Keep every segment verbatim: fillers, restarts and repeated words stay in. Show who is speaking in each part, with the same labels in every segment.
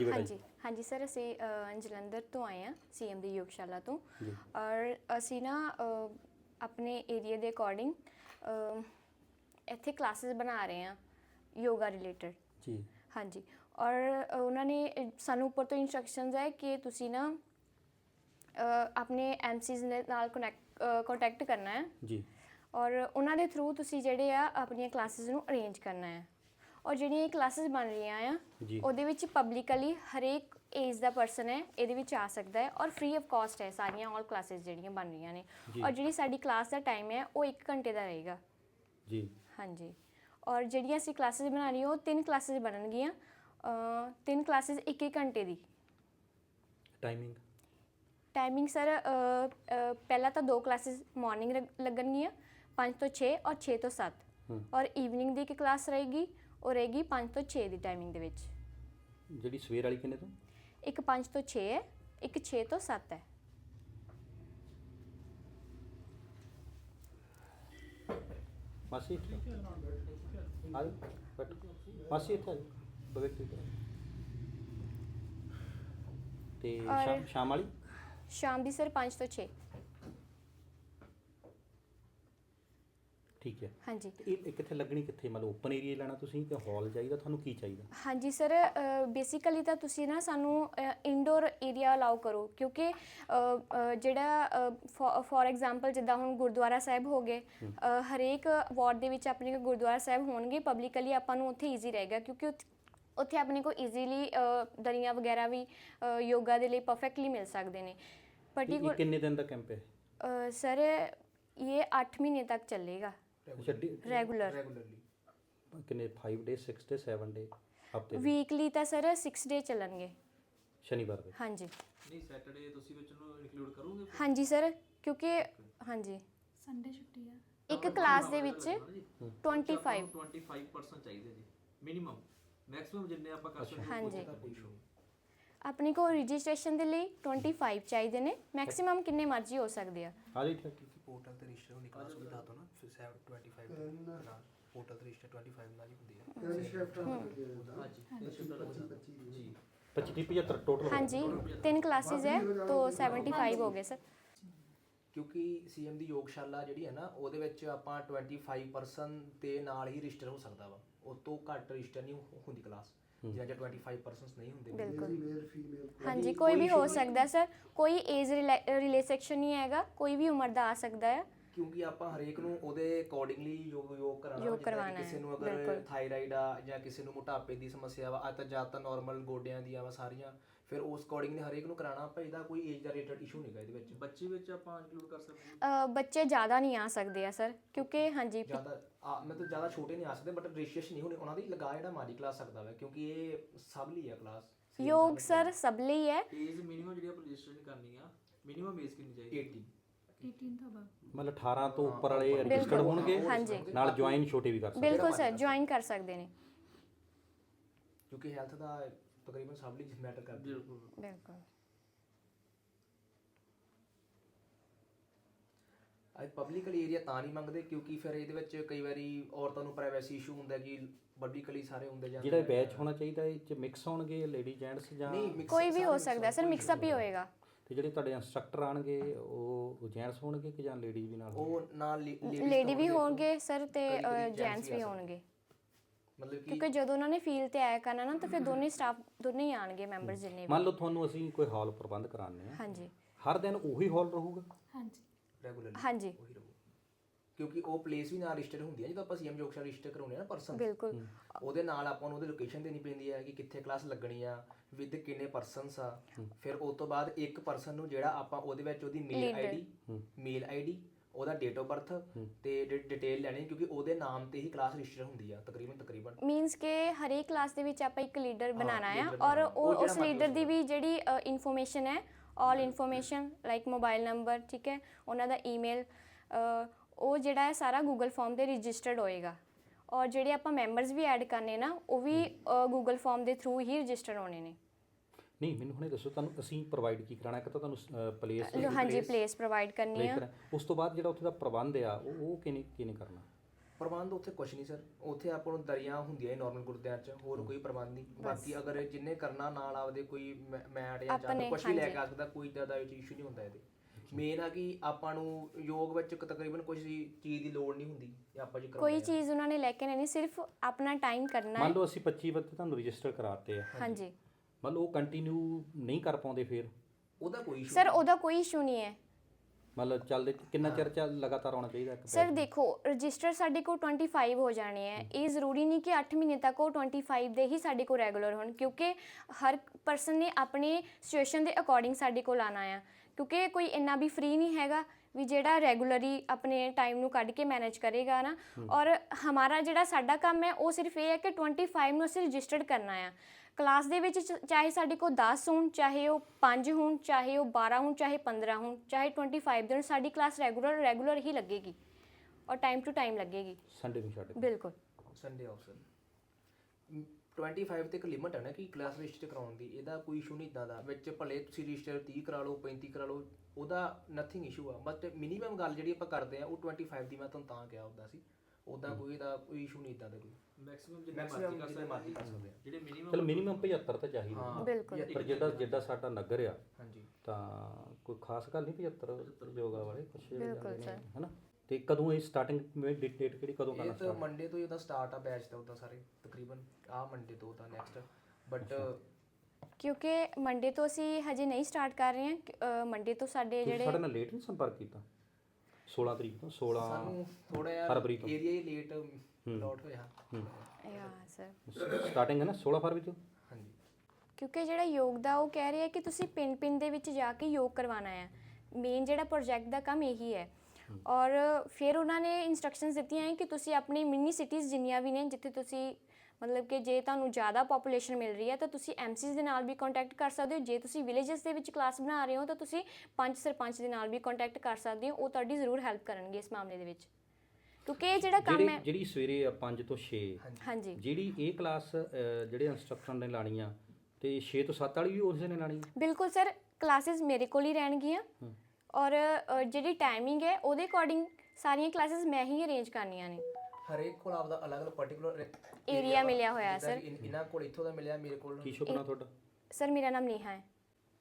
Speaker 1: हाँ जी हाँ जी सर ਅਸੀਂ ਜਲੰਧਰ ਤੋਂ ਆਏ ਹਾਂ ਸੀਐਮ ਦੀ ਯੋਗਸ਼ਾਲਾ ਤੋਂ ਔਰ ਅਸੀਂ ਨਾ ਆਪਣੇ ਏਰੀਆ ਦੇ ਅਕੋਰਡਿੰਗ ਇੱਥੇ ਕਲਾਸਿਸ ਬਣਾ ਰਹੇ ਹਾਂ ਯੋਗਾ ਰਿਲੇਟਡ ਜੀ हाँ जी और उन्होंने सानू ऊपर तो इंस्ट्रक्शंस है कि तुसी ना अपने एमसीज नाल कनेक्ट कॉन्टैक्ट करना है जी और उन्होंने थ्रू तुसी जेडे आ अपनी क्लासेस नू अरेंज करना है और ਜਿਹੜੀਆਂ ਕਲਾਸਿਸ ਬਣ ਰਹੀਆਂ ਆ ਉਹਦੇ ਵਿੱਚ ਪਬਲਿਕਲੀ ਹਰੇਕ ਏਜ ਦਾ ਪਰਸਨ ਹੈ ਇਹਦੇ ਵਿੱਚ ਆ ਸਕਦਾ ਹੈ ਔਰ ਫ੍ਰੀ ਆਫ ਕਾਸਟ ਹੈ ਸਾਰੀਆਂ ਆਲ ਕਲਾਸਿਸ ਜਿਹੜੀਆਂ ਬਣ ਰਹੀਆਂ ਨੇ ਔਰ ਜਿਹੜੀ ਸਾਡੀ ਕਲਾਸ ਦਾ ਟਾਈਮ ਹੈ ਉਹ ਇੱਕ ਘੰਟੇ ਦਾ ਰਹੇਗਾ ਜੀ ਹਾਂਜੀ ਔਰ ਜਿਹੜੀਆਂ ਅਸੀਂ ਕਲਾਸਿਸ ਬਣਾ ਰਹੀ ਉਹ ਤਿੰਨ ਕਲਾਸਿਸ ਬਣਨਗੀਆਂ ਤਿੰਨ ਕਲਾਸਿਸ ਇੱਕ ਇੱਕ ਘੰਟੇ ਦੀ ਟਾਈਮਿੰਗ ਟਾਈਮਿੰਗ ਸਰ ਪਹਿਲਾਂ ਤਾਂ ਦੋ ਕਲਾਸਿਸ ਮਾਰਨਿੰਗ ਲੱਗਣਗੀਆਂ ਪੰਜ ਤੋਂ ਛੇ ਔਰ ਛੇ ਤੋਂ ਸੱਤ ਔਰ ਈਵਨਿੰਗ ਦੀ ਇੱਕ ਕਲਾਸ ਰਹੇਗੀ ਉਹ ਰਹੇਗੀ ਪੰਜ ਤੋਂ ਛੇ ਦੀ ਟਾਈਮਿੰਗ ਦੇ ਵਿੱਚ
Speaker 2: ਜਿਹੜੀ ਸਵੇਰ ਵਾਲੀ ਕਿੰਨੇ ਤੋਂ
Speaker 1: ਇੱਕ ਪੰਜ ਤੋਂ ਛੇ ਹੈ ਇੱਕ ਛੇ ਤੋਂ ਸੱਤ ਹੈ
Speaker 2: ਮਾਸੀ ਆ ਬਟ ਮਾਸੀ ਇੱਥੇ ਬਵੇਟ ਤੇ ਸ਼ਾਮ ਸ਼ਾਮ ਵਾਲੀ
Speaker 1: ਸ਼ਾਮ ਦੀ ਸਰ ਪੰਜ ਤੋਂ ਛੇ
Speaker 2: ਠੀਕ ਹੈ
Speaker 1: ਹਾਂਜੀ
Speaker 2: ਇਹ ਕਿੱਥੇ ਲੱਗਣੀ ਕਿੱਥੇ ਮਤਲਬ ਓਪਨ ਏਰੀਆ ਲੈਣਾ ਤੁਸੀਂ ਕਿ ਹਾਲ ਚਾਹੀਦਾ ਤੁਹਾਨੂੰ ਕੀ ਚਾਹੀਦਾ
Speaker 1: ਹਾਂਜੀ ਸਰ ਬੇਸਿਕਲੀ ਤਾਂ ਤੁਸੀਂ ਨਾ ਸਾਨੂੰ ਇਨਡੋਰ ਏਰੀਆ ਅਲਾਉ ਕਰੋ ਕਿਉਂਕਿ ਜਿਹੜਾ ਫੋਰ ਐਗਜ਼ਾਮਪਲ ਜਿੱਦਾਂ ਹੁਣ ਗੁਰਦੁਆਰਾ ਸਾਹਿਬ ਹੋ ਗਏ ਹਰੇਕ ਵਾਰਡ ਦੇ ਵਿੱਚ ਆਪਣੇ ਗੁਰਦੁਆਰਾ ਸਾਹਿਬ ਹੋਣਗੇ ਪਬਲਿਕਲੀ ਆਪਾਂ ਨੂੰ ਉੱਥੇ ਈਜ਼ੀ ਰਹੇਗਾ ਕਿਉਂਕਿ ਉੱਥੇ ਆਪਣੇ ਕੋਲ ਈਜ਼ੀਲੀ ਦਰੀਆਂ ਵਗੈਰਾ ਵੀ ਯੋਗਾ ਦੇ ਲਈ ਪਰਫੈਕਟਲੀ ਮਿਲ ਸਕਦੇ ਨੇ
Speaker 2: ਪਰਟੀਕੂਲਰ ਕਿੰਨੇ ਦਿਨ ਦਾ ਕੈਂਪ ਹੈ
Speaker 1: ਸਰ ਇਹ ਅੱਠ ਮਹੀਨੇ ਤੱਕ ਚੱਲੇਗਾ ਰੈਗੂਲਰ
Speaker 2: ਰੈਗੂਲਰਲੀ ਕਿੰਨੇ ਪੰਜ ਡੇ ਛੇ ਡੇ ਸੱਤ ਡੇ ਹਫਤੇ
Speaker 1: ਵੀਕਲੀ ਤਾਂ ਸਰ ਛੇ ਡੇ ਚੱਲਣਗੇ
Speaker 2: ਸ਼ਨੀਵਾਰ ਦੇ
Speaker 1: ਹਾਂਜੀ
Speaker 3: ਨਹੀਂ ਸੈਟਰਡੇ ਤੁਸੀਂ ਵਿੱਚ ਨੂੰ ਇਨਕਲੂਡ ਕਰੋਗੇ
Speaker 1: ਹਾਂਜੀ ਸਰ ਕਿਉਂਕਿ ਹਾਂਜੀ
Speaker 4: ਸੰਡੇ ਛੁੱਟੀ ਆ
Speaker 1: ਇੱਕ ਕਲਾਸ ਦੇ ਵਿੱਚ ਪੱਚੀ
Speaker 3: ਪੱਚੀ ਪਰਸੈਂਟ ਚਾਹੀਦੇ ਜੀ ਮਿਨੀਮਮ ਮੈਕਸਿਮਮ ਜਿੰਨੇ ਆਪਾਂ ਕਰ ਸਕਦੇ
Speaker 1: ਹਾਂਜੀ ਆਪਣੇ ਕੋਲ ਰਜਿਸਟ੍ਰੇਸ਼ਨ ਦੇ ਲਈ ਪੱਚੀ ਚਾਹੀਦੇ ਨੇ ਮੈਕਸਿਮਮ ਕਿੰਨੇ ਮਰਜ਼ੀ ਹੋ ਸਕਦੇ ਆ
Speaker 2: ਹਾਂ ਜੀ ਠੀਕ
Speaker 5: ਕਿ ਪੋਰਟਲ ਤੇ ਰਜਿਸਟਰ ਹੋਣੀ ਕਲਾਸ ਨੂੰ ਦੱਸ ਦੋ ਨਾ ਫਿਰ ਪੱਚੀ ਨਾਲ ਪੋਰਟਲ ਤੇ ਰਜਿਸਟਰ ਪੱਚੀ ਨਾਲ ਹੀ ਹੁੰਦੀ ਹੈ
Speaker 3: ਸ਼ਿਫਟ ਹਾਂਜੀ ਸ਼ਿਫਟ ਜੀ
Speaker 2: ਪੱਚੀ ਪਝੱਤਰ ਟੋਟਲ
Speaker 1: ਹਾਂਜੀ ਤਿੰਨ ਕਲਾਸਿਸ ਹੈ ਤੋਂ ਪਚੱਤਰ ਹੋ ਗਏ ਸਰ
Speaker 5: ਕਿਉਂਕਿ ਸੀਐਮ ਦੀ ਯੋਗਸ਼ਾਲਾ ਜਿਹੜੀ ਹੈ ਨਾ ਉਹਦੇ ਵਿੱਚ ਆਪਾਂ ਪੱਚੀ ਪਰਸੈਂਟ ਦੇ ਨਾਲ ਹੀ ਰਜਿਸਟਰ ਹੋ ਸਕਦਾ ਵਾ ਉਸ ਤੋਂ ਘੱਟ ਰਜਿਸਟਰ ਨਹੀਂ ਹੁੰਦੀ ਕਲਾਸ ਜਾਂ ਜੇ ਪੱਚੀ ਪਰਸੈਂਟ ਨਹੀਂ ਹੁੰਦੇ
Speaker 1: ਬਿਲਕੁਲ ਹਾਂਜੀ ਕੋਈ ਵੀ ਹੋ ਸਕਦਾ ਸਰ ਕੋਈ ਏਜ ਰਿਲੇਸੈਕਸ਼ਨ ਨਹੀਂ ਹੈਗਾ ਕੋਈ ਵੀ ਉਮਰ ਦਾ ਆ ਸਕਦਾ ਹੈ
Speaker 5: ਕਿਉਂਕਿ ਆਪਾਂ ਹਰੇਕ ਨੂੰ ਉਹਦੇ ਅਕੋਰਡਿੰਗਲੀ ਯੋਗ ਯੋਗ ਕਰਾਉਣਾ ਕਿਸੇ ਨੂੰ ਅਗਰ ਥਾਇਰਾਇਡ ਆ ਜਾਂ ਕਿਸੇ ਨੂੰ ਮੋਟਾਪੇ ਦੀ ਸਮੱਸਿਆ ਵਾ ਆ ਤਾਂ ਜਾਂ ਤਾਂ ਨਾਰਮਲ ਗੋਡਿਆਂ ਦੀਆਂ ਵਾ ਸਾਰੀਆਂ ਫਿਰ ਉਸ ਅਕੋਰਡਿੰਗ ਨੇ ਹਰੇਕ ਨੂੰ ਕਰਾਉਣਾ ਪੈਂਦਾ ਕੋਈ ਏਜ ਦਾ ਰਿਲੇਟਡ ਇਸ਼ੂ ਨਹੀਂਗਾ ਇਹਦੇ ਵਿੱਚ
Speaker 3: ਬੱਚੇ ਵਿੱਚ ਆਪਾਂ ਇਨਕਲੂਡ ਕਰ ਸਕਦੇ ਹਾਂ
Speaker 1: ਬੱਚੇ ਜ਼ਿਆਦਾ ਨਹੀਂ ਆ ਸਕਦੇ ਆ ਸਰ ਕਿਉਂਕਿ ਹਾਂਜੀ
Speaker 5: ਜ਼ਿਆਦਾ ਮਤਲਬ ਜ਼ਿਆਦਾ ਛੋਟੇ ਨਹੀਂ ਆ ਸਕਦੇ ਬਟ ਰਜਿਸਟ੍ਰੇਸ਼ਨ ਨਹੀਂ ਹੋਣੀ ਉਹਨਾਂ ਦੀ ਲਗਾ ਜਿਹੜਾ ਮਾਰੀ ਕਲਾਸ ਸਕਦਾ ਵਾ ਕਿਉਂਕਿ ਇਹ ਸਭ ਲਈ ਆ ਕਲਾਸ
Speaker 1: ਯੋਗ ਸਰ ਸਭ ਲਈ ਹੈ
Speaker 3: ਏਜ ਮਿਨੀਮਮ ਜਿਹੜੀ ਆਪਾਂ ਰਜਿਸਟ੍ਰੇਸ਼ਨ ਕਰਨੀ ਆ ਮਿਨੀਮਮ ਏਜ ਕਿੰਨੀ ਚਾਹੀਦੀ
Speaker 5: ਅਠਾਰਾਂ
Speaker 4: ਅਠਾਰਾਂ ਤੋਂ ਬਾਅਦ
Speaker 2: ਮਤਲਬ ਅਠਾਰਾਂ ਤੋਂ ਉੱਪਰ ਵਾਲੇ ਰਜਿਸਟਰਡ ਹੋਣਗੇ ਨਾਲ ਜੁਆਇਨ ਛੋਟੇ ਵੀ ਕਰ ਸਕਦੇ
Speaker 1: ਬਿਲਕੁਲ ਸਰ ਜੁਆਇਨ ਕਰ ਸਕਦੇ ਨੇ
Speaker 5: ਕਿਉਂਕਿ ਹੈਲਥ ਦਾ ਤਕਰੀਬਨ ਸਭ ਲਈ ਮੈਟਰ ਕਰਦਾ
Speaker 3: ਬਿਲਕੁਲ
Speaker 1: ਬਿਲਕੁਲ
Speaker 5: ਅੱਜ ਪਬਲਿਕਲੀ ਏਰੀਆ ਤਾਂ ਨਹੀਂ ਮੰਗਦੇ ਕਿਉਂਕਿ ਫਿਰ ਇਹਦੇ ਵਿੱਚ ਕਈ ਵਾਰੀ ਔਰਤਾਂ ਨੂੰ ਪ੍ਰਾਈਵੇਸੀ ਇਸ਼ੂ ਹੁੰਦਾ ਕਿ ਪਬਲਿਕਲੀ ਸਾਰੇ ਹੁੰਦੇ ਜਾਂਦੇ
Speaker 2: ਜਿਹੜਾ ਬੈਚ ਹੋਣਾ ਚਾਹੀਦਾ ਇਹ ਚ ਮਿਕਸ ਹੋਣਗੇ ਲੇਡੀ ਜੈਂਟਸ ਜਾਂ
Speaker 1: ਕੋਈ ਵੀ ਹੋ ਸਕਦਾ ਸਰ ਮਿਕਸ ਅਪ ਹੀ ਹੋਏਗਾ
Speaker 2: ਤੇ ਜਿਹੜੇ ਤੁਹਾਡੇ ਇੰਸਟ੍ਰਕਟਰ ਆਣਗੇ ਉਹ ਜੈਂਟਸ ਹੋਣਗੇ ਕਿ ਜਾਂ ਲੇਡੀ ਵੀ ਨਾਲ
Speaker 5: ਉਹ ਨਾਲ
Speaker 1: ਲੇਡੀ ਵੀ ਹੋਣਗੇ ਸਰ ਤੇ ਜੈਂਟਸ ਵੀ ਹੋਣਗੇ
Speaker 5: ਮਤਲਬ ਕਿ
Speaker 1: ਕਿਉਂਕਿ ਜਦੋਂ ਉਹਨਾਂ ਨੇ ਫੀਲ ਤੇ ਆਇਆ ਕਰਨਾ ਨਾ ਤਾਂ ਫਿਰ ਦੋਨੇ ਸਟਾਫ ਦੋਨੇ ਹੀ ਆਣਗੇ ਮੈਂਬਰਸ ਜਿੰਨੇ ਵੀ
Speaker 2: ਮੰਨ ਲਓ ਤੁਹਾਨੂੰ ਅਸੀਂ ਕੋਈ ਹਾਲ ਪ੍ਰਬੰਧ ਕਰਾਉਂਦੇ ਆ
Speaker 1: ਹਾਂਜੀ
Speaker 2: ਹਰ ਦਿਨ ਉਹੀ ਹਾਲ ਰਹੂਗਾ
Speaker 4: ਹਾਂਜੀ
Speaker 5: ਰੈਗੂਲਰਲੀ
Speaker 1: ਹਾਂਜੀ
Speaker 5: ਉਹੀ ਰਹੂ ਕਿਉਂਕਿ ਉਹ ਪਲੇਸ ਵੀ ਨਾਲ ਰਜਿਸਟਰ ਹੁੰਦੀ ਹੈ ਜਦੋਂ ਆਪਾਂ ਸੀਐਮ ਯੋਗਸ਼ਾਲਾ ਰਜਿਸਟਰ ਕਰਾਉਂਦੇ ਆ ਨਾ ਪਰਸਨ
Speaker 1: ਬਿਲਕੁਲ
Speaker 5: ਉਹਦੇ ਨਾਲ ਆਪਾਂ ਨੂੰ ਉਹਦੀ ਲੋਕੇਸ਼ਨ ਦੇਣੀ ਪੈਂਦੀ ਹੈ ਕਿ ਕਿੱਥੇ ਕਲਾਸ ਲੱਗਣੀ ਆ ਵਿਦ ਕਿੰਨੇ ਪਰਸਨਸ ਆ ਫਿਰ ਉਸ ਤੋਂ ਬਾਅਦ ਇੱਕ ਪਰਸਨ ਨੂੰ ਜਿਹੜਾ ਆਪਾਂ ਉਹਦੇ ਵਿੱਚ ਉਹਦੀ ਮੇਲ ਆਈਡੀ ਮੇਲ ਆਈਡੀ ਉਹਦਾ ਡੇਟ ਆਫ ਬਰਥ ਤੇ ਡਿਟੇਲ ਲੈਣੀ ਕਿਉਂਕਿ ਉਹਦੇ ਨਾਮ ਤੇ ਹੀ ਕਲਾਸ ਰਜਿਸਟਰ ਹੁੰਦੀ ਆ ਤਕਰੀਬਨ ਤਕਰੀਬਨ
Speaker 1: ਮੀਨਸ ਕਿ ਹਰੇਕ ਕਲਾਸ ਦੇ ਵਿੱਚ ਆਪਾਂ ਇੱਕ ਲੀਡਰ ਬਣਾਉਣਾ ਹੈ ਔਰ ਉਹ ਉਸ ਲੀਡਰ ਦੀ ਵੀ ਜਿਹੜੀ ਇਨਫੋਰਮੇਸ਼ਨ ਹੈ all information like mobile number ਠੀਕ ਹੈ ਉਹਨਾਂ ਦਾ ਈਮੇਲ ਉਹ ਜਿਹੜਾ ਹੈ ਸਾਰਾ ਗੂਗਲ ਫਾਰਮ ਤੇ ਰਜਿਸਟਰਡ ਹੋਏਗਾ ਔਰ ਜਿਹੜੇ ਆਪਾਂ ਮੈਂਬਰਸ ਵੀ ਐਡ ਕਰਨੇ ਨਾ ਉਹ ਵੀ ਗੂਗਲ ਫਾਰਮ ਦੇ ਥਰੂ ਹੀ ਰਜਿਸਟਰ ਹੋਣੇ ਨੇ
Speaker 2: ਨਹੀਂ ਮੈਨੂੰ ਹੁਣੇ ਦੱਸੋ ਤੁਹਾਨੂੰ ਅਸੀਂ ਪ੍ਰੋਵਾਈਡ ਕੀ ਕਰਾਣਾ ਇੱਕ ਤਾਂ ਤੁਹਾਨੂੰ ਪਲੇਸ
Speaker 1: ਹਾਂਜੀ ਪਲੇਸ ਪ੍ਰੋਵਾਈਡ ਕਰਨੀ ਆ
Speaker 2: ਉਸ ਤੋਂ ਬਾਅਦ ਜਿਹੜਾ ਉੱਥੇ ਦਾ ਪ੍ਰਬੰਧ ਆ ਉਹ ਉਹ ਕਿਨੇ ਕਿਨੇ ਕਰਨਾ
Speaker 5: ਪ੍ਰਬੰਧ ਉੱਥੇ ਕੁਛ ਨਹੀਂ ਸਰ, ਉੱਥੇ ਆਪਾਂ ਨੂੰ ਦਰੀਆਂ ਹੁੰਦੀਆਂ ਨਾਰਮਲ ਗੁਰਦਿਆਂ 'ਚ, ਹੋਰ ਕੋਈ ਪ੍ਰਬੰਧ ਨਹੀਂ। ਬਾਕੀ ਅਗਰ ਜਿੰਨੇ ਕਰਨਾ ਨਾਲ ਆਪਦੇ ਕੋਈ ਮੈ- ਮੈਟ ਜਾਂ ਚਾਦਰ ਕੁਛ ਵੀ ਲੈ ਕੇ ਆ ਸਕਦਾ, ਕੋਈ ਜ਼ਿਆਦਾ ਇਹ ਇਸ਼ੂ ਨਹੀਂ ਹੁੰਦਾ ਇਹਦੇ। ਮੇਨ ਆ ਕਿ ਆਪਾਂ ਨੂੰ ਯੋਗ ਵਿੱਚ ਕ- ਤਕਰੀਬਨ ਕੁਝ ਚੀਜ਼ ਦੀ ਲੋੜ ਨਹੀਂ ਹੁੰਦੀ, ਇਹ ਆਪਾਂ ਜੀ
Speaker 1: ਕੋਈ ਚੀਜ਼ ਉਹਨਾਂ ਨੇ ਲੈ ਕੇ ਨਹੀਂ, ਸਿਰਫ ਆਪਣਾ ਟਾਈਮ ਕਰਨਾ
Speaker 2: ਮੰਨ
Speaker 1: ਹੈ।
Speaker 2: ਲਓ ਅਸੀਂ ਪੱਚੀ ਬੱਚੇ ਤੁਹਾਨੂੰ ਰਜਿਸਟਰ ਕਰਾਤੇ ਆ,
Speaker 1: ਹਾਂਜੀ
Speaker 2: ਮੰਨ ਲਓ ਉਹ ਕੰਟੀਨਿਊ ਨਹੀਂ ਕਰ ਪਾਉਂਦੇ, ਫਿਰ
Speaker 5: ਉਹਦਾ ਕੋਈ ਇਸ਼ੂ
Speaker 1: ਸਰ ਉਹਦਾ ਕੋਈ ਇਸ਼ੂ ਨਹੀਂ ਹੈ।
Speaker 2: ਮਤਲਬ ਚੱਲਦੇ ਕਿੰਨਾ ਚਿਰ ਚੱਲ ਲਗਾਤਾਰ ਆਉਣਾ ਚਾਹੀਦਾ ਇੱਕ
Speaker 1: ਸਰ ਦੇਖੋ ਰਜਿਸਟਰ ਸਾਡੇ ਕੋਲ ਪੱਚੀ ਹੋ ਜਾਣੇ ਹੈ, ਇਹ ਜ਼ਰੂਰੀ ਨਹੀਂ ਕਿ ਅੱਠ ਮਹੀਨੇ ਤੱਕ ਉਹ ਪੱਚੀ ਦੇ ਹੀ ਸਾਡੇ ਕੋਲ ਰੈਗੂਲਰ ਹੋਣ, ਕਿਉਂਕਿ ਹਰ ਪਰਸਨ ਨੇ ਆਪਣੇ ਸਿਚੁਏਸ਼ਨ ਦੇ ਅਕੋਰਡਿੰਗ ਸਾਡੇ ਕੋਲ ਆਉਣਾ ਆ, ਕਿਉਂਕਿ ਕੋਈ ਇੰਨਾ ਵੀ ਫ੍ਰੀ ਨਹੀਂ ਹੈਗਾ ਵੀ ਜਿਹੜਾ ਰੈਗੂਲਰੀ ਆਪਣੇ ਟਾਈਮ ਨੂੰ ਕੱਢ ਕੇ ਮੈਨੇਜ ਕਰੇਗਾ ਨਾ। ਔਰ ਹਮਾਰਾ ਜਿਹੜਾ ਸਾਡਾ ਕੰਮ ਹੈ ਉਹ ਸਿਰਫ ਇਹ ਹੈ ਕਿ ਪੱਚੀ ਨੂੰ ਅਸੀਂ ਰਜਿਸਟਰਡ ਕਰਨਾ ਆ। ਕਲਾਸ ਦੇ ਵਿੱਚ ਚ- ਚਾਹੇ ਸਾਡੇ ਕੋਲ ਦਸ ਹੋਣ, ਚਾਹੇ ਉਹ ਪੰਜ ਹੋਣ, ਚਾਹੇ ਉਹ ਬਾਰਾਂ ਹੋਣ, ਚਾਹੇ ਪੰਦਰਾਂ ਹੋਣ, ਚਾਹੇ ਪੱਚੀ ਦੇ ਹੋਣ, ਸਾਡੀ ਕਲਾਸ ਰੈਗੂਲਰ ਰੈਗੂਲਰ ਹੀ ਲੱਗੇਗੀ ਔਰ ਟਾਈਮ ਟੂ ਟਾਈਮ ਲੱਗੇਗੀ।
Speaker 2: ਸੰਡੇ ਨੂੰ ਛੱਡ ਕੇ।
Speaker 1: ਬਿਲਕੁਲ
Speaker 5: ਸੰਡੇ ਆਫ ਸਰ ਪੱਚੀ ਤੇ ਇੱਕ ਲਿਮਟ ਹੈ ਨਾ ਕਿ ਕਲਾਸ ਰਜਿਸਟਰ ਕਰਾਉਣ ਦੀ, ਇਹਦਾ ਕੋਈ ਇਸ਼ੂ ਨਹੀਂ ਇੱਦਾਂ ਦਾ। ਵਿੱਚ ਭਲੇ ਤੁਸੀਂ ਰਜਿਸਟਰ ਤੀਹ ਕਰਾ ਲਓ, ਪੈਂਤੀ ਕਰਾ ਲਓ, ਉਹਦਾ ਨਥਿੰਗ ਇਸ਼ੂ ਆ। ਬਟ ਮਿਨੀਮਮ ਗੱਲ ਜਿਹੜੀ ਆਪਾਂ ਕਰਦੇ ਆ ਉਹ ਪੱਚੀ ਦੀ, ਮੈਂ ਤੁਹਾਨੂੰ ਤਾਂ ਕਿਹਾ ਹੁੰਦਾ ਸੀ, ਉੱਦਾਂ ਕੋਈ ਇਹਦਾ ਕੋਈ ਇਸ਼ੂ ਨਹੀਂ ਇੱਦਾਂ ਦਾ ਕੋਈ।
Speaker 3: ਮੈਕਸਿਮਮ ਜਿੰਨੇ
Speaker 5: Maximum
Speaker 3: ਮਰਜ਼ੀ
Speaker 5: ਜਿੰਨੇ
Speaker 3: ਕਰ
Speaker 5: ਮਰਜ਼ੀ ਕਰ
Speaker 3: ਸਕਦੇ
Speaker 5: ਸਕਦੇ
Speaker 3: ਆ।
Speaker 5: ਆ।
Speaker 3: ਜਿਹੜੇ ਮਿਨੀਮਮ
Speaker 2: ਚਲੋ ਮਿਨੀਮਮ ਪਝੱਤਰ ਤਾਂ ਚਾਹੀਦਾ,
Speaker 5: ਹਾਂ
Speaker 1: ਬਿਲਕੁਲ।
Speaker 2: ਪਰ ਜਿੱਦਾਂ ਜਿੱਦਾਂ ਸਾਡਾ ਨਗਰ ਆ
Speaker 5: ਹਾਂਜੀ
Speaker 2: ਤਾਂ ਕੋਈ ਖਾਸ ਗੱਲ ਨਹੀਂ ਪਝੱਤਰ ਯੋਗਾ ਵਾਲੇ ਕੁਛ ਜਿਹੜੇ
Speaker 1: ਬਿਲਕੁਲ
Speaker 2: ਜਾਂਦੇ ਨੇ,
Speaker 1: ਸਰ।
Speaker 2: ਹਨਾ। ਤੇ ਕਦੋਂ ਇਹ ਸਟਾਰਟਿੰਗ ਡੇਟ ਕਿਹੜੀ ਕਦੋਂ
Speaker 5: ਇਹ
Speaker 2: ਕਰਨਾ
Speaker 5: ਤਾਂ
Speaker 2: ਸਟਾਰਟ?
Speaker 5: ਮੰਡੇ ਤੋਂ ਹੀ ਉਹਦਾ ਸਟਾਰਟ ਆ ਬੈਚ ਦਾ, ਉਹਦਾ ਸਾਰੇ ਤਕਰੀਬਨ ਆਹ ਮੰਡੇ ਤੋਂ ਤਾਂ ਨੈਕਸਟ। ਬਟ
Speaker 1: ਕਿਉਂਕਿ ਮੰਡੇ ਤੋਂ ਅਸੀਂ ਹਜੇ ਨਹੀਂ ਸਟਾਰਟ ਕਰ ਰਹੇ ਹਾਂ, ਮੰਡੇ ਤੋਂ ਸਾਡੇ
Speaker 2: ਤੁਸੀਂ
Speaker 1: ਜਿਹੜੇ
Speaker 2: ਸਾਡੇ ਨਾਲ ਲੇਟ ਨਹੀਂ ਸੰਪਰਕ ਕੀਤਾ? ਸੋਲਾਂ ਤਰੀਕ ਤੋਂ ਸੋਲਾਂ
Speaker 5: ਸਾਨੂੰ ਥੋੜਾ ਜਿਹਾ
Speaker 2: ਫਰਵਰੀ ਤੋਂ।
Speaker 5: ਏਰੀਆ ਹੀ ਲੇਟ ਲੋਟ ਹੋਇਆ।
Speaker 1: ਯਾ ਸਰ
Speaker 2: ਸਟਾਰਟਿੰਗ ਹੈ ਨਾ ਸੋਲਾਂ ਫਰਵਰੀ ਤੋਂ।
Speaker 5: ਹਾਂਜੀ
Speaker 1: ਕਿਉਂਕਿ ਜਿਹੜਾ ਯੋਗ ਦਾ ਉਹ ਕਹਿ ਰਿਹਾ ਕਿ ਤੁਸੀਂ ਪਿੰਡ ਪਿੰਡ ਦੇ ਵਿੱਚ ਜਾ ਕੇ ਯੋਗ ਕਰਵਾਉਣਾ ਹੈ। ਮੇਨ ਜਿਹੜਾ ਪ੍ਰੋਜੈਕਟ ਦਾ ਕੰਮ ਇਹੀ ਹੈ। ਔਰ ਫਿਰ ਉਹਨਾਂ ਨੇ ਇਨਸਟਰਕਸ਼ਨਸ ਦਿੱਤੀਆਂ ਹੈ ਕਿ ਤੁਸੀਂ ਆਪਣੀ ਮਿਨੀ ਸਿਟੀਜ਼ ਜਿੰਨੀਆਂ ਵੀ ਨੇ ਜਿੱਥੇ ਤੁਸੀਂ ਮਤਲਬ ਕਿ ਜੇ ਤੁਹਾਨੂੰ ਜ਼ਿਆਦਾ ਪੋਪੂਲੇਸ਼ਨ ਮਿਲ ਰਹੀ ਹੈ ਤਾਂ ਤੁਸੀਂ ਐਮਸੀਜ਼ ਦੇ ਨਾਲ ਵੀ ਕੰਟੈਕਟ ਕਰ ਸਕਦੇ ਹੋ। ਜੇ ਤੁਸੀਂ ਵਿਲੇजेस ਦੇ ਵਿੱਚ ਕਲਾਸ ਬਣਾ ਰਹੇ ਹੋ ਤਾਂ ਤੁਸੀਂ ਪੰਜ ਸਰਪੰਚ ਦੇ ਨਾਲ ਵੀ ਕੰਟੈਕਟ ਕਰ ਸਕਦੇ ਹੋ, ਉਹ ਤੁਹਾਡੀ ਜ਼ਰੂਰ ਹੈਲਪ ਕਰਨਗੇ ਇਸ ਮਾਮਲੇ ਦੇ ਵਿੱਚ, ਕਿਉਂਕਿ ਇਹ ਜਿਹੜਾ ਕੰਮ
Speaker 2: ਜਿਹੜੀ
Speaker 1: ਹੈ।
Speaker 2: ਜਿਹੜੀ ਸਵੇਰੇ ਪੰਜ ਤੋਂ ਛੇ,
Speaker 1: ਹਾਂਜੀ
Speaker 2: ਜਿਹੜੀ ਇਹ ਕਲਾਸ ਜਿਹੜੇ ਇੰਸਟਰਕਟਰ ਨੇ ਲਾਣੀ ਆ, ਤੇ ਛੇ ਤੋਂ ਸੱਤ ਵਾਲੀ ਵੀ ਉਸੇ ਨੇ ਲਾਣੀ ਆ?
Speaker 1: ਬਿਲਕੁਲ ਸਰ, ਕਲਾਸਿਸ ਮੇਰੇ ਕੋਲ ਹੀ ਰਹਿਣਗੀਆਂ ਔਰ ਅ, ਜਿਹੜੀ ਟਾਈਮਿੰਗ ਹੈ ਉਹਦੇ ਅਕੋਰਡਿੰਗ ਸਾਰੀਆਂ ਕਲਾਸਿਸ ਮੈਂ ਹੀ ਅਰੇਂਜ ਕਰਨੀਆਂ ਨੇ।
Speaker 5: ਹਰੇਕ ਕੋਲ ਆਪਦਾ ਅਲੱਗ ਅਲੱਗ ਪਾਰਟਿਕੂਲਰ
Speaker 1: ਏਰੀਆ ਮਿਲਿਆ ਹੋਇਆ ਸਰ।
Speaker 5: ਇਹਨਾਂ ਕੋਲ ਇੱਥੋਂ ਦਾ ਮਿਲਿਆ, ਮੇਰੇ ਕੋਲ
Speaker 2: ਕੀ ਸ਼ੁਭ ਨਾਮ ਤੁਹਾਡਾ?
Speaker 1: ਸਰ ਮੇਰਾ ਨਾਮ ਨੇਹਾ ਹੈ।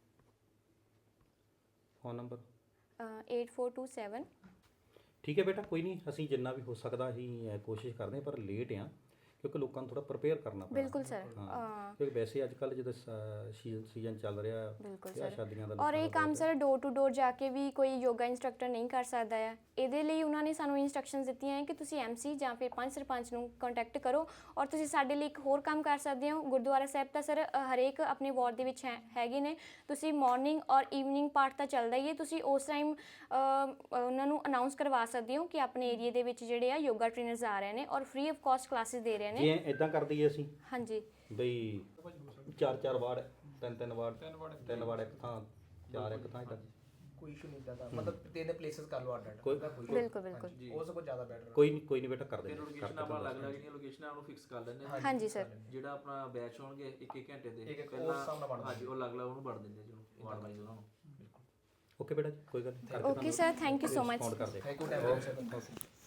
Speaker 2: Phone number?
Speaker 1: Eight four two seven.
Speaker 2: ਠੀਕ ਹੈ ਬੇਟਾ, ਕੋਈ ਨਹੀਂ, ਅਸੀਂ ਜਿੰਨਾ ਵੀ ਹੋ ਸਕਦਾ ਅਸੀਂ ਅਹ, ਕੋਸ਼ਿਸ਼ ਕਰਦੇ ਹਾਂ, ਪਰ ਲੇਟ ਆ ਕਿਉਂਕਿ ਲੋਕਾਂ ਨੂੰ ਥੋੜਾ ਪ੍ਰਪੇਅਰ ਕਰਨਾ ਪੈਂਦਾ।
Speaker 1: ਬਿਲਕੁਲ ਸਰ।
Speaker 2: ਹਾਂ, ਕਿਉਂਕਿ ਵੈਸੇ ਅੱਜ ਕੱਲ ਜਦੋਂ ਸੀਜ਼ਨ ਚੱਲ ਰਿਹਾ
Speaker 1: ਬਿਲਕੁਲ
Speaker 2: ਵਿਆਹ
Speaker 1: ਸਰ।
Speaker 2: ਸ਼ਾਦੀਆਂ ਦਾ
Speaker 1: ਔਰ
Speaker 2: ਲੋਕਾਂ
Speaker 1: ਇਹ
Speaker 2: ਦਾ
Speaker 1: ਕੰਮ
Speaker 2: ਬਹੁਤ
Speaker 1: ਸਰ ਡੋਰ ਟੂ ਡੋਰ ਜਾ ਕੇ ਵੀ ਕੋਈ ਯੋਗਾ ਇੰਸਟਰਕਟਰ ਨਹੀਂ ਕਰ ਸਕਦਾ ਹੈ। ਇਹਦੇ ਲਈ ਉਹਨਾਂ ਨੇ ਸਾਨੂੰ ਇਨਸਟਰਕਸ਼ਨਸ ਦਿੱਤੀਆਂ ਹੈ ਕਿ ਤੁਸੀਂ ਐਮਸੀ ਜਾਂ ਫਿਰ ਪੰਜ ਸਰਪੰਚ ਨੂੰ ਕੰਟੈਕਟ ਕਰੋ। ਔਰ ਤੁਸੀਂ ਸਾਡੇ ਲਈ ਇੱਕ ਹੋਰ ਕੰਮ ਕਰ ਸਕਦੇ ਹੋ, ਗੁਰਦੁਆਰਾ ਸਾਹਿਬ ਤਾਂ ਸਰ ਹਰੇਕ ਆਪਣੇ ਵਾਰਡ ਦੇ ਵਿੱਚ ਹੈ ਹੈਗੇ ਨੇ। ਤੁਸੀਂ ਮਾਰਨਿੰਗ ਔਰ ਈਵਨਿੰਗ ਪਾਰਟ ਤਾਂ ਚੱਲਦਾ ਹੀ ਹੈ, ਤੁਸੀਂ ਉਸ ਟਾਈਮ ਉਹਨਾਂ ਨੂੰ ਅਨਾਉਂਸ ਕਰਵਾ ਸਕਦੇ ਹੋ ਕਿ ਆਪਣੇ ਏਰੀਆ ਦੇ ਵਿੱਚ ਜਿਹੜੇ ਆ ਯੋਗਾ ਟ੍ਰੇਨਰਸ ਆ ਰਹੇ ਨੇ ਔਰ ਫ੍ਰੀ ਆਫ ਕਾਸਟ ਕਲਾਸਿਸ ਦੇ ਰਹੇ ਨੇ।
Speaker 2: ਜੇ ਇਦਾਂ ਕਰ ਦਈਏ ਅਸੀਂ
Speaker 1: ਹਾਂਜੀ
Speaker 2: ਬਈ ਚਾਰ ਚਾਰ ਵਾਰਡ, ਤਿੰਨ ਤਿੰਨ ਵਾਰਡ, ਤਿੰਨ ਵਾਰਡ ਇੱਕ ਥਾਂ, ਚਾਰ ਇੱਕ ਥਾਂ, ਇਦਾਂ
Speaker 5: ਕੋਈ ਇਸ਼ੂ ਨਹੀਂ ਦਾ, ਮਤਲਬ ਤਿੰਨ ਪਲੇਸਸ ਕਰ ਲਓ ਅੱਡ ਅੱਡ।
Speaker 2: ਕੋਈ-
Speaker 1: ਬਿਲਕੁਲ ਬਿਲਕੁਲ।
Speaker 5: ਉਹ ਸਭ ਤੋਂ ਜ਼ਿਆਦਾ ਬੈਟਰ।
Speaker 2: ਕੋਈ ਨਹੀਂ ਕੋਈ ਨਹੀਂ ਬੇਟਾ, ਕਰ ਦੇ
Speaker 3: ਲੋਕੇਸ਼ਨ ਆਪਾਂ ਅਲੱਗ ਅਲੱਗ ਜਿਹੜੀਆਂ ਲੋਕੇਸ਼ਨਾਂ ਉਹਨੂੰ ਫਿਕਸ ਕਰ ਲੈਂਦੇ ਹਾਂ।
Speaker 1: ਹਾਂਜੀ ਸਰ।
Speaker 3: ਜਿਹੜਾ ਆਪਣਾ ਬੈਚ ਹੋਣਗੇ ਇੱਕ ਇੱਕ ਘੰਟੇ ਦੇ,
Speaker 5: ਇੱਕ- ਇੱਕ ਉਸ ਹਿਸਾਬ ਨਾਲ ਵੰਡ
Speaker 3: ਹਾਂਜੀ ਉਹ ਅਲੱਗ ਅਲੱਗ ਉਹਨੂੰ ਵੰਡ ਦਿੰਦੇ ਜੀ, ਵਾਰਡ ਵਾਈਜ਼ ਉਹਨਾਂ ਨੂੰ।
Speaker 2: ਓਕੇ ਬੇਟਾ ਜੀ, ਕੋਈ ਗੱਲ ਨਹੀਂ।
Speaker 1: Okay sir, thank you so much.
Speaker 2: Respond ਕਰ ਦੇ।
Speaker 5: Thank you time